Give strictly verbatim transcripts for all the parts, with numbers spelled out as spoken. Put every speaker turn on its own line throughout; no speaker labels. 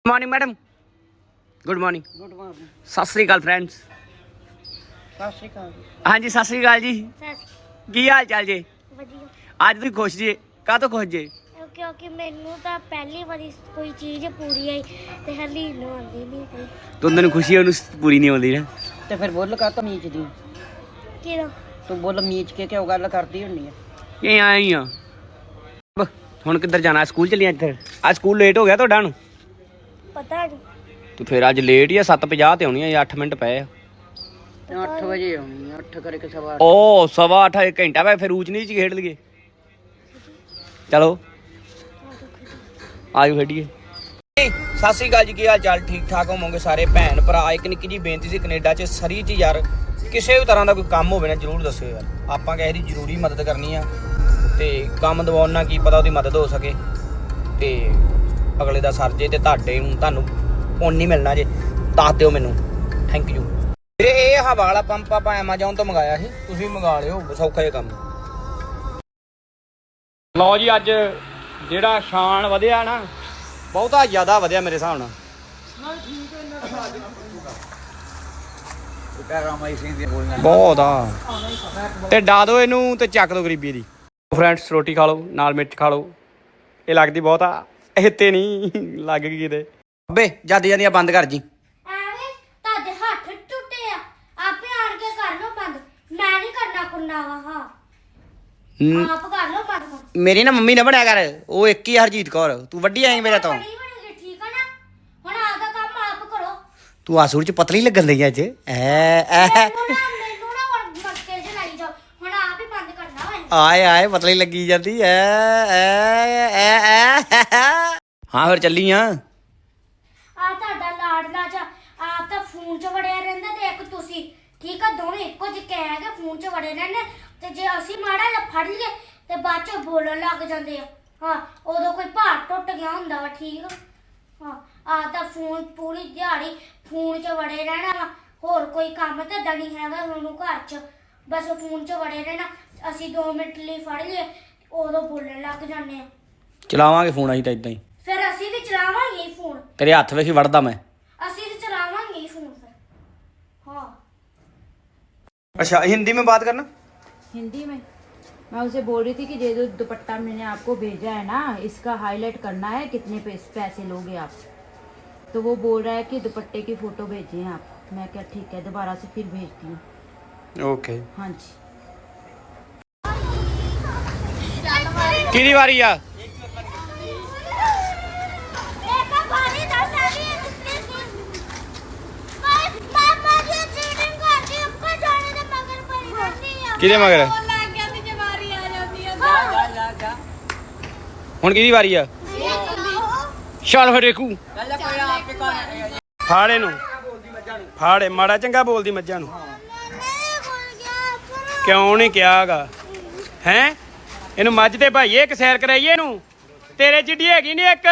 Morning madam good morning
good morning
सत श्री अकाल फ्रेंड्स
सत श्री अकाल
हाँ जी सत श्री अकाल जी की हाल चाल जे
ਵਧੀਆ
आज तुम खुश जे का तो खुश जे
ਕਿਉਂਕਿ ਮੈਨੂੰ ਤਾਂ ਪਹਿਲੀ ਵਾਰੀ ਕੋਈ ਚੀਜ਼ ਪੂਰੀ ਆਈ ਤੇ ਹਲੀ ਨੂੰ ਆਉਂਦੀ ਨਹੀਂ ਪਈ
तो उन्होंने खुशी है उन्हें पूरी नहीं होती ना
ਤੇ ਫਿਰ ਬੁੱਲ ਕਾ ਤਾਂ ਮੀਚ ਦੀ
ਕਿਹਦਾ
ਤੂੰ ਬੁੱਲ ਮੀਚ ਕੇ ਕਿਉਂ ਗੱਲ ਕਰਦੀ ਹੁੰਨੀ ਆ
ये आए ही हाँ ਹੁਣ ਕਿੱਧਰ ਜਾਣਾ ਸਕੂਲ ਚੱਲੀਆਂ ਇੱਧਰ ਅੱਜ ਸਕੂਲ ਲੇਟ ਹੋ ਗਿਆ ਤੁਹਾਡਾ ਨੂੰ
ਪਤਾ ਨਹੀਂ
ਤੇ ਫਿਰ ਅੱਜ ਲੇਟ ਹੀ ਆ ਸੱਤ ਪੰਜਾਹ ਤੇ ਆਉਣੀ ਆ ਅੱਠ ਮਿੰਟ ਪਏ ਆ
ਅੱਠ ਵਜੇ ਆਉਣੀ ਆ ਅੱਠ ਕਰਕੇ ਸਵਾ ਅੱਠ।
ਓ ਸਵਾ ਅੱਠ ਇੱਕ ਘੰਟਾ ਵਾ ਫਿਰ ਊਚ ਨੀਚ ਖੇਡ ਲਈਏ ਚਲੋ ਆਜੋ ਖੇਡੀਏ ਸਤਿ ਸ੍ਰੀ ਅਕਾਲ ਜੀ ਕੀ ਹਾਲ ਚਾਲ ਠੀਕ ਠਾਕ ਹੋਵੋਗੇ ਸਾਰੇ ਭੈਣ ਭਰਾ ਇੱਕ ਨਿੱਕੀ ਜੀ ਬੇਨਤੀ ਸੀ ਕੈਨੇਡਾ 'ਚ ਸਰੀ 'ਚ ਯਾਰ ਕਿਸੇ ਵੀ ਤਰ੍ਹਾਂ ਦਾ ਕੋਈ ਕੰਮ ਹੋਵੇ ਨਾ ਜ਼ਰੂਰ ਦੱਸਿਓ ਯਾਰ ਆਪਾਂ ਕਿਸੇ ਦੀ ਜ਼ਰੂਰੀ ਮਦਦ ਕਰਨੀ ਆ ਤੇ ਕੰਮ ਦਵਾਉਣ ਨਾਲ ਕੀ ਪਤਾ ਉਹਦੀ ਮਦਦ ਹੋ ਸਕੇ ਤੇ ਅਗਲੇ ਦਾ ਸਰ ਜੇ ਤੇ ਤੁਹਾਡੇ ਨੂੰ ਤੁਹਾਨੂੰ ਪੁੰਨ ਨਹੀਂ ਮਿਲਣਾ ਜੇ ਦੱਸ ਦਿਓ ਮੈਨੂੰ ਥੈਂਕ ਯੂ ਵੀਰੇ ਇਹ ਹਵਾ ਵਾਲਾ ਪੰਪ ਆਪਾਂ ਐਮਾਜ਼ੋਨ ਤੋਂ ਮੰਗਾਇਆ ਸੀ ਤੁਸੀਂ ਮੰਗਾ ਲਿਓ ਸੌਖਾ ਜਿਹਾ ਕੰਮ ਲਓ ਜੀ ਅੱਜ ਜਿਹੜਾ ਸ਼ਾਨ ਵਧਿਆ ਨਾ ਬਹੁਤਾ ਜ਼ਿਆਦਾ ਵਧਿਆ ਮੇਰੇ ਹਿਸਾਬ ਨਾਲ ਬਹੁਤ ਆ ਤੇ ਡਾ ਦੋ ਇਹਨੂੰ ਤੇ ਚੱਕ ਦੋ ਗਰੀਬੀ ਦੀ ਫਰੈਂਡਸ ਰੋਟੀ ਖਾ ਲਓ ਨਾਲ ਮਿਰਚ ਖਾ ਲਓ ਇਹ ਲੱਗਦੀ ਬਹੁਤ ਆ ਇੱਥੇ ਨਹੀਂ ਲੱਗ ਗਈ ਕਿਤੇ ਅੱਬੇ ਜਾਂਦੀ ਜਾਂਦੀਆਂ ਬੰਦ ਕਰ ਜੀ
ਐਵੇਂ ਤੁਹਾਡੇ ਹੱਥ ਟੁੱਟੇ ਆ ਆਪੇ ਆਣ ਕੇ ਕਰ ਲਓ ਬੰਦ ਮੈਂ ਨਹੀਂ ਕਰਨਾ ਕੁੰਨਾ ਵਾ ਹਾਂ ਆਪ ਕਰ ਲਓ ਬੰਦ
ਮੇਰੀ ਨਾ ਮੰਮੀ ਨਾ ਬਣਿਆ ਕਰ ਉਹ ਇੱਕ ਹੀ ਆ ਹਰਜੀਤ ਕੌਰ ਤੂੰ ਵੱਡੀ ਆਏਂ ਮੇਰੇ ਤੋਂ
ਬਣੀ ਬਣੀ ਠੀਕ ਆ ਨਾ ਹੁਣ ਆਪਦਾ ਕੰਮ ਆਪ ਕਰੋ
ਤੂੰ ਆਸੂਰ ਚ ਪਤਲੀ ਲੱਗਣ ਲਈ ਅੱਜ ਐ ਐ
ਮੈਨੂੰ ਨਾ ਮੈਨੂੰ ਨਾ ਹੁਣ ਮਸਕੇ ਚ ਲਾਈ ਜਾਓ ਹੁਣ ਆਪ ਹੀ ਬੰਦ ਕਰਨਾ ਵਾ
ਆਏ ਆਏ ਪਤਲੀ ਲੱਗੀ ਜਾਂਦੀ ਐ ਐ ਐ ਐ ਹਾਂ ਫਿਰ ਚੱਲੀ ਆ
ਆ ਤੁਹਾਡਾ ਲਾਡਲਾ ਚ ਆਪ ਤਾਂ ਫੋਨ 'ਚ ਵੜਿਆ ਰਹਿੰਦਾ ਤੇ ਇੱਕ ਤੁਸੀਂ ਠੀਕ ਆ ਦੋਵੇਂ ਇੱਕੋ ਜਿਹੇ ਹੈਗੇ ਫੋਨ 'ਚ ਵੜੇ ਰਹਿੰਦੇ ਤੇ ਜੇ ਅਸੀਂ ਮਾੜਾ ਜਿਹਾ ਫੜ ਲਈਏ ਤੇ ਬਾਅਦ 'ਚ ਬੋਲਣ ਲੱਗ ਜਾਂਦੇ ਆ ਹਾਂ ਉਦੋਂ ਕੋਈ ਭਾਰ ਟੁੱਟ ਗਿਆ ਹੁੰਦਾ ਵਾ ਠੀਕ ਆ ਹਾਂ ਆ ਤਾਂ ਫੋਨ ਪੂਰੀ ਦਿਹਾੜੀ ਫੋਨ 'ਚ ਵੜੇ ਰਹਿਣਾ ਵਾ ਹੋਰ ਕੋਈ ਕੰਮ ਤਾਂ ਨਹੀਂ ਹੈਗਾ ਤੁਹਾਨੂੰ ਘਰ 'ਚ ਬਸ ਫੋਨ 'ਚ ਵੜੇ ਰਹਿਣਾ ਅਸੀਂ ਦੋ ਮਿੰਟ ਲਈ ਫੜ ਲਈਏ ਉਦੋਂ ਬੋਲਣ ਲੱਗ ਜਾਂਦੇ ਆ
ਚਲਾਵਾਂਗੇ ਫੋਨ ਅਸੀਂ ਤਾਂ ਇਦਾਂ ਹੀ
ਫਿਰ ਅਸੀਂ ਵੀ ਚਲਾਵਾਂਗੇ ਹੀ ਫੋਨ
ਤੇਰੇ ਹੱਥ ਵੇਖੀ ਵੜਦਾ ਮੈਂ
ਅਸੀਂ ਵੀ ਚਲਾਵਾਂਗੇ ਹੀ ਫੋਨ ਫਿਰ हाँ
अच्छा हिंदी में बात करना
हिंदी में मैं उसे बोल रही थी कि ये जो दुपट्टा मैंने आपको भेजा है ना इसका हाईलाइट करना है कितने पैसे लोगे आप तो वो बोल रहा है कि दुपट्टे की फ़ोटो भेजें आप मैं क्या ठीक है दोबारा से फिर भेजती हूँ
ओके
हाँ जी
कितनी बारी आ किदे मगर ਹੁਣ ਕਿਹਦੀ ਵਾਰੀ ਆ ਚੱਲ ਫਿਰ ਦੇਖੂ ਫਾੜੇ ਨੂੰ ਫਾੜੇ ਮਾੜਾ ਚੰਗਾ ਬੋਲਦੀ ਮੱਝਾਂ ਨੂੰ ਕਿਉਂ ਨਹੀਂ ਕਿਹਾਗਾ ਹੈ ਇਹਨੂੰ ਮੱਝ ਤੇ ਭਾਈਏ ਇੱਕ ਸੈਰ ਕਰਾਈਏ ਇਹਨੂੰ ਤੇਰੇ ਜਿੱਡੀ ਹੈਗੀ ਨਹੀਂ ਇੱਕ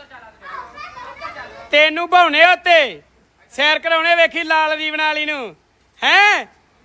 ਤੈਨੂੰ ਭਾਉਣੇ ਉੱਤੇ ਸੈਰ ਕਰਾਉਣੇ ਵੇਖੀ ਲਾਲ ਦੀ ਬਣਾ ਲਈ ਨੂੰ ਹੈ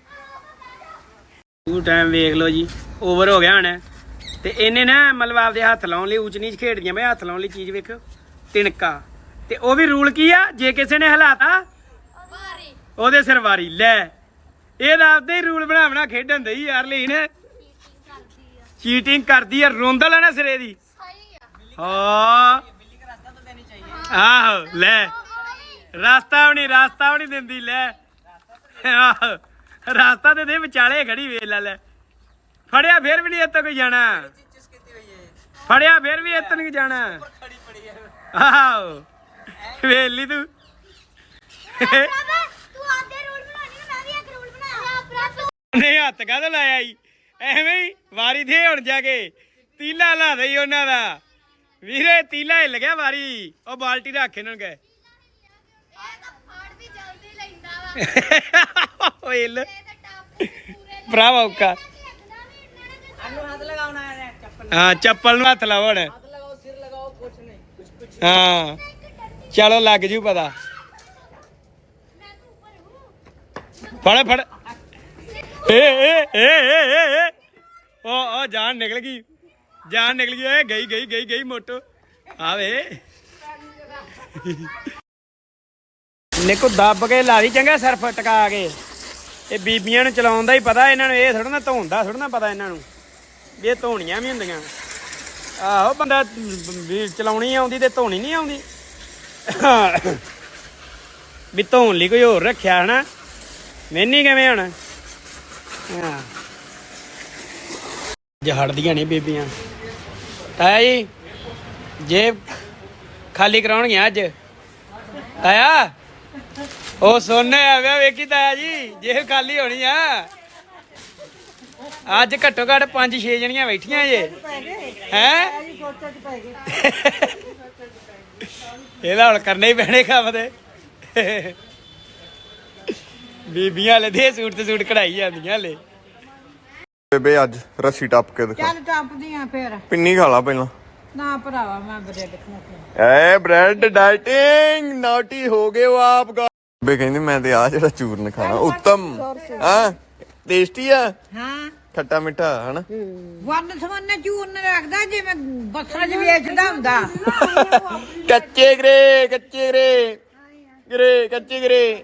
ਉਹ ਟਾਈਮ ਵੇਖ ਲਓ ਜੀ ਓਵਰ ਹੋ ਗਿਆ ਹੁਣ ਤੇ ਇਹਨੇ ਨਾ ਮਤਲਬ ਆਪਦੇ ਹੱਥ ਲਾਉਣ ਲਈ ਉੱਚ ਨੀਚ ਖੇਡਦੀਆਂ ਮੈਂ ਹੱਥ ਲਾਉਣ ਲਈ ਚੀਜ਼ ਵੇਖੋ ਤਿਣਕਾ ਤੇ ਉਹ ਵੀ ਰੂਲ ਕੀ ਆ ਜੇ ਕਿਸੇ ਨੇ ਹਲਾਤਾ ਉਹਦੇ ਸਿਰ ਵਾਰੀ ਲੈ ਇਹ ਤਾਂ ਆਪਦੇ ਹੀ ਰੂਲ ਬਣਾ ਬਣਾ ਖੇਡਣ ਦੇ ਯਾਰ ਲਈ ਨੇ ਚੀਟਿੰਗ ਕਰਦੀ ਆ ਰੋਂਦਾ ਲੈਣਾ ਸਿਰੇ ਦੀ ਹਾਂ ਆਹੋ ਲੈ ਰਾਸਤਾ ਵੀ ਨਹੀਂ ਰਾਸਤਾ ਵੀ ਨਹੀਂ ਦਿੰਦੀ ਲੈ ਆਹੋ ਰਾਸਤਾ ਤੇ ਦੇ ਵਿਚਾਲੇ ਖੜੀ ਵੇਖ ਲੈ ਲੈ ਫੜਿਆ ਫਿਰ ਵੀ ਨਹੀਂ ਇੱਥੇ ਕੋਈ ਜਾਣਾ ਫੜਿਆ ਫਿਰ ਵੀ ਇੱਥੇ ਨਹੀਂ ਜਾਣਾ ਆਹੋ ਵੇਲੀ ਤੂੰ ਨਹੀਂ ਹੱਥ ਕਾਹਦਾ ਲਾਇਆ ਈ ਐਵੇਂ ਹੀ ਵਾਰੀ ਦੇ ਹੁਣ ਜਾ ਕੇ ਤੀਲਾ ਲਾ ਦੇ ਉਹਨਾਂ ਦਾ ਵੀਰੇ ਤੀਲਾ ਹਿੱਲ ਗਿਆ ਵਾਰੀ ਉਹ ਬਾਲਟੀ ਰੱਖ ਇਹਨਾਂ ਨੂੰ ਗਏ ਓਏ ਲ ਭਰਾ ਔਕਾ ਹਾਂ ਚੱਪਲ ਨੂੰ ਹੱਥ ਲਾਓ ਹੁਣ ਹਾਂ ਚਲੋ ਲੱਗ ਜੂ ਪਤਾ ਫੜ ਫੜ ਏ ਏ ਏ ਏ ਓ ਓ ਜਾਨ ਨਿਕਲ ਗਈ ਜਾਨ ਨਿਕਲ ਗਈ ਏ ਗਈ ਗਈ ਗਈ ਗਈ ਮੋਟੋ ਆਵੇ ਨਿੱਕੂ ਦੱਬ ਕੇ ਲਾ ਦੀ ਚੰਗਾ ਸਰਫ ਟਕਾ ਕੇ। ਇਹ ਬੀਬੀਆਂ ਨੂੰ ਚਲਾਉਣ ਦਾ ਹੀ ਪਤਾ ਇਹਨਾਂ ਨੂੰ, ਇਹ ਥੋੜਾ ਨਾ ਧੋਣ ਦਾ ਥੋੜਾ ਨਾ ਪਤਾ ਇਹਨਾਂ ਨੂੰ ਵੀ ਇਹ ਧੋਣੀਆਂ ਵੀ ਹੁੰਦੀਆਂ। ਆਹੋ ਬੰਦਾ ਵੀ ਚਲਾਉਣੀ ਆਉਂਦੀ ਤੇ ਧੋਣੀ ਨਹੀਂ ਆਉਂਦੀ ਵੀ ਧੋਣ ਲਈ ਕੋਈ ਹੋਰ ਰੱਖਿਆ ਹਨਾ। ਮੈਨੀ ਕਿਵੇਂ ਹੁਣ ਹਾਂ ਜਹੜਦੀਆਂ ਨਹੀਂ ਬੀਬੀਆਂ। ਤਾਇਆ ਜੀ ਜੇਬ ਖਾਲੀ ਕਰਾਉਣਗੀਆਂ ਅੱਜ। ਤਾਇਆ ਉਹ ਸੋਨੇ ਆ ਗਿਆ ਵੇਖੀ ਤਾਇਆ ਜੀ ਜੇਬ ਖਾਲੀ ਹੋਣੀ ਆ ਅੱਜ। ਘੱਟੋ ਘੱਟ ਪੰਜ ਛੇ ਜਣੀਆਂ ਬੈਠੀਆਂ ਜੇ ਹੈ। ਇਹਦਾ ਹੁਣ ਕਰਨੇ ਹੀ ਪੈਣੇ ਕੰਮ ਤੇ। ਬੀਬੀਆਂ ਲੈ ਦੇ ਸੂਟ ਤੇ ਸੂਟ ਕਢਾਈ ਜਾਂਦੀਆਂ ਲੈ।
ਬੇਬੇ ਅੱਜ ਰੱਸੀ ਟੱਪ ਕੇ ਦਿਖਾ।
ਚੱਲ ਟੱਪਦੀਆਂ ਫੇਰ
ਪਿੰਨੀ ਖਾ ਲਾ ਪਹਿਲਾਂ।
ਨਾ ਭਰਾਵਾ ਮੈਂ ਬ੍ਰੈਡ ਖਾਣਾ।
ਐ ਬ੍ਰੈਡ ਡਾਈਟਿੰਗ ਨਾਟੀ ਹੋ ਗਏ ਹੋ ਆਪ। ਬੇ ਕਹਿੰਦੀ ਮੈਂ ਤੇ ਆ ਜਿਹੜਾ ਚੂਰਨ ਖਾਣਾ ਉੱਤਮ ਹਾਂ ਟੇਸਟੀ ਆ।
ਹਾਂ
ਖੱਟਾ ਮਿੱਠਾ ਹਨਾ।
ਵਨ ਸਵੰਨੇ ਚੂਰਨ ਰੱਖਦਾ ਜਿਵੇਂ ਬੱਸਾਂ 'ਚ ਵੇਚਦਾ ਹੁੰਦਾ।
ਕੱਚੇ ਗਰੇ ਕੱਚੇ ਗਰੇ ਗਰੇ ਕੱਚੇ ਗਰੇ।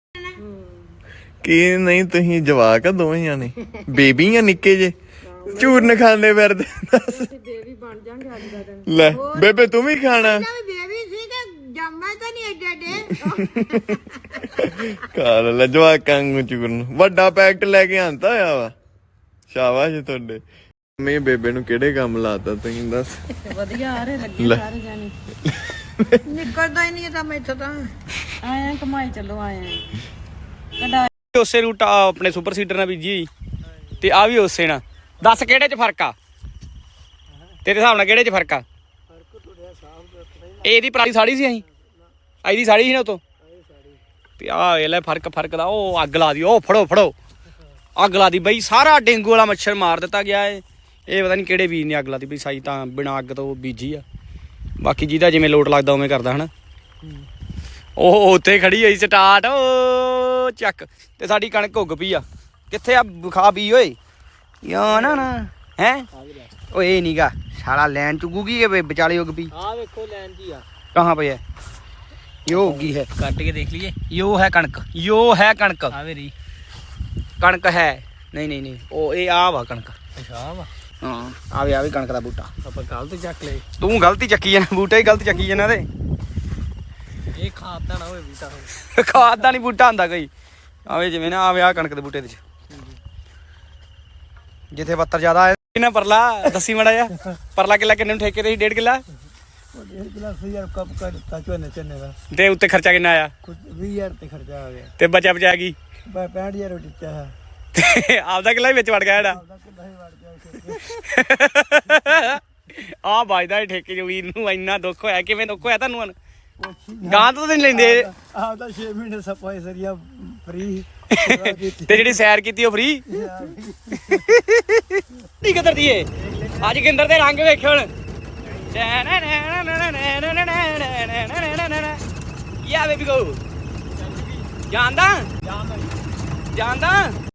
ਕੀ ਨਹੀਂ ਤੁਸੀਂ ਜਵਾਕ ਆ ਦੋਵੇਂ ਜਾਣੇ ਬੇਬੀ ਆ ਨਿੱਕੇ ਜੇ ਚੂਰਨ ਖਾਂਦੇ ਫਿਰਦੇ। ਬੇਬੀ ਬਣ ਜਾਣਗੇ ਅੱਜ ਦਾ ਦਿਨ। ਲੈ ਬੇਬੇ ਤੂੰ ਵੀ ਖਾਣਾ।
ਬੇਬੀ ਸੀ ਤੇ ਜੰਮਾ ਤਾਂ ਨਹੀਂ ਏਡੇ ਏਡੇ।
ਖਾ ਲੈ ਜਵਾਕਾਂ ਨੂੰ ਚੂਰਨ। ਵੱਡਾ ਪੈਕਟ ਲੈ ਕੇ ਆਂਦਾ ਆ ਵਾ। ਸ਼ਾਬਾਸ਼ ਤੁਹਾਡੇ। ਮੈਂ ਬੇਬੇ ਨੂੰ ਕਿਹੜੇ ਕੰਮ ਲਾਤਾ ਤੁਸੀਂ ਦੱਸ।
ਵਧੀਆ ਆ ਰਹੇ ਲੱਗੇ ਸਾਰੇ ਜਾਣੇ। ਨਿਕਲਦਾ ਹੀ ਨਹੀਂ ਤਾਂ ਮੈਥੋਂ ਤਾਂ ਆਇਆ ਕਮਾਈ ਚੱਲੋ ਆਇਆ।
ਉਸੇ ਰੂਟ ਆਪਣੇ ਸੁਪਰ ਸੀਡਰ ਨਾਲ ਬੀਜੀ ਹੋਈ ਤੇ ਆ ਵੀ ਉਸੇ ਨਾਲ। ਦੱਸ ਕਿਹੜੇ ਚ ਫਰਕ ਆ ਤੇਰੇ ਹਿਸਾਬ ਨਾਲ? ਕਿਹੜੇ ਚ ਫਰਕ ਆ? ਇਹਦੀ ਪੁਰਾਣੀ ਸਾੜੀ ਸੀ ਅਸੀਂ ਇਹਦੀ ਸਾੜੀ ਸੀ ਨਾ ਉਤੋਂ ਤੇ ਆ ਇਹ ਲੈ ਫਰਕ ਫਰਕ ਦਾ। ਉਹ ਅੱਗ ਲਾ ਦੀ। ਉਹ ਫੜੋ ਫੜੋ ਅੱਗ ਲਾ ਦੀ ਬਈ। ਸਾਰਾ ਡੇਂਗੂ ਵਾਲਾ ਮੱਛਰ ਮਾਰ ਦਿੱਤਾ ਗਿਆ ਏ। ਇਹ ਪਤਾ ਨਹੀਂ ਕਿਹੜੇ ਵੀਰ ਨੇ ਅੱਗ ਲਾ ਦੀ ਬਈ। ਸਾਈ ਤਾਂ ਬਿਨਾਂ ਅੱਗ ਤੋਂ ਬੀਜੀ ਆ। ਬਾਕੀ ਜਿਹਦਾ ਜਿਵੇਂ ਲੋਟ ਲੱਗਦਾ ਉਵੇਂ ਕਰਦਾ ਹਨਾ। ਉਹ ਉੱਥੇ ਖੜੀ ਹੋਈ ਸਟਾਰਟ ਉਹ ਚੱਕ ਤੇ ਸਾਡੀ ਕਣਕ ਉੱਗ ਪਈ ਆ। ਕਿੱਥੇ ਆ ਖਾ ਪੀ ਓਏ ਯਾ ਨਾ ਨਾ ਹੈ। ਓਏ ਇਹ ਨੀਗਾ ਸਾਲਾ ਲੈਣ ਚੁਗੂਗੀ ਇਹ ਵਿਚਾਲੇ ਉੱਗ ਪਈ।
ਆ ਵੇਖੋ ਲੈਣ ਜੀ ਆ
ਕਹਾਂ ਪਈ ਹੈ? ਯੋ ਉੱਗੀ ਹੈ।
ਕੱਟ ਕੇ ਦੇਖ ਲਈਏ।
ਯੋ ਹੈ ਕਣਕ। ਯੋ ਹੈ ਕਣਕ।
ਆ ਵੇਰੀ
ਕਣਕ ਹੈ। ਨਹੀਂ ਨਹੀਂ ਨਹੀਂ ਉਹ ਇਹ ਆ ਵਾ ਕਣਕ।
ਅੱਛਾ ਵਾ
ਹਾਂ ਆਵੇ ਆਵੇ ਕਣਕ ਦਾ ਬੂਟਾ।
ਆਪਾਂ ਗਲਤ ਚੱਕ ਲਏ।
ਤੂੰ ਗਲਤੀ ਚੱਕੀ ਜਾਣਾ ਬੂਟਾ ਹੀ ਗਲਤ ਚੱਕੀ ਜਾਣਾ ਤੇ।
ਇਹ ਖਾਦ ਦਾ ਨਾ ਹੋਵੇ ਬੂਟਾ ਹੋਵੇ।
ਖਾਦ ਦਾ ਨਹੀਂ ਬੂਟਾ ਹੁੰਦਾ ਕੋਈ। ਆਵੇ ਜਿਵੇਂ ਨਾ ਆਵੇ ਆ ਕਣਕ ਦੇ ਬੂਟੇ ਦੇ ਚ ਜਿੱਥੇ ਪੱਤਰ ਜ਼ਿਆਦਾ ਆਏ ਨਾ। ਪਰਲਾ ਦੱਸੀ ਮੜਾ ਜਾ ਪਰਲਾ ਕਿੱਲਾ ਕਿੰਨੇ ਨੂੰ ਠੇਕੇ ਤੇ ਸੀ? ਡੇਢ ਕਿੱਲਾ।
ਡੇਢ ਕਿੱਲਾ ਹਜ਼ਾਰ ਕੱਪ ਕਰ ਦਿੱਤਾ ਝੋਨੇ ਝੋਨੇ ਦਾ।
ਤੇ ਉੱਤੇ ਖਰਚਾ ਕਿੰਨਾ ਆਇਆ?
ਕੁਝ ਵੀਹ ਹਜ਼ਾਰ ਤੇ ਖਰਚਾ ਆ ਗਿਆ।
ਤੇ ਬਚਾ ਬਚਾ ਗਈ
ਪੈਂਹਠ ਹਜ਼ਾਰ ਦਿੱਤਾ ਹੈ।
ਤੇ ਆਪਦਾ ਕਿੱਲਾ ਵੀ ਵਿੱਚ ਵੜ ਗਿਆ ਜਿਹੜਾ
ਆਪਦਾ ਕਿੱਲਾ ਹੀ ਵੜ ਗਿਆ।
ਆ ਵੱਜਦਾ ਠੇਕੇ ਜੋ ਵੀਰ ਨੂੰ ਇੰਨਾ ਦੁੱਖ ਹੋਇਆ। ਕਿਵੇਂ ਦੁੱਖ ਹੋਇਆ ਤੁਹਾਨੂੰ ਹੁਣ? ਗਾਂ ਤੋਂ ਤਾਂ ਨਹੀਂ ਲੈਂਦੇ।
ਆਪਦਾ ਛੇ ਮਹੀਨੇ ਸਫਾਈ ਸਰੀਆ ਫ੍ਰੀ
ਤੇ ਜਿਹੜੀ ਸੈਰ ਕੀਤੀ ਉਹ ਫ੍ਰੀ। ਕੀ ਕਦਰ ਦੀਏ ਅੱਜ ਗਿੰਦਰ ਦੇ ਰੰਗ ਵੇਖਿਓ ਹੁਣ। ਯਾ ਬੇਬੀ ਗੋ ਜਾਂਦਾ ਜਾਂਦਾ।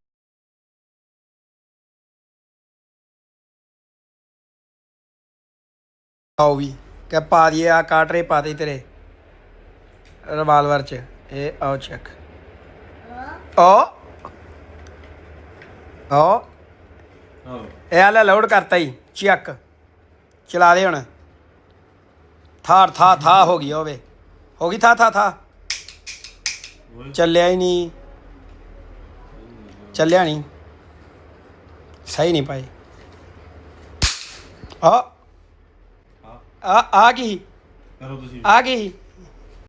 ਆਓ ਵੀ ਕਿ ਪਾ ਦਈਏ ਆ ਕਾਟਰੇ ਪਾ ਦੇ ਤੇਰੇ ਰਿਵਾਲਵਰ ਚ। ਇਹ ਆਓ ਚੈੱਕ। ਓ ਓ ਇਹ ਆ ਲੈ ਲੋਡ ਕਰਤਾ ਹੀ ਚੱਕ। ਚਲਾ ਦੇ ਹੁਣ। ਥਾਰ ਥਾ ਥਾ ਹੋ ਗਈ ਹੋਵੇ ਹੋ ਗਈ ਥਾ ਥਾ ਥਾ। ਚੱਲਿਆ ਹੀ ਨਹੀਂ ਚੱਲਿਆ ਨਹੀਂ ਸਹੀ ਨਹੀਂ ਪਾਏ। ਆ ਆ ਆ ਗਈ ਆ ਗਈ।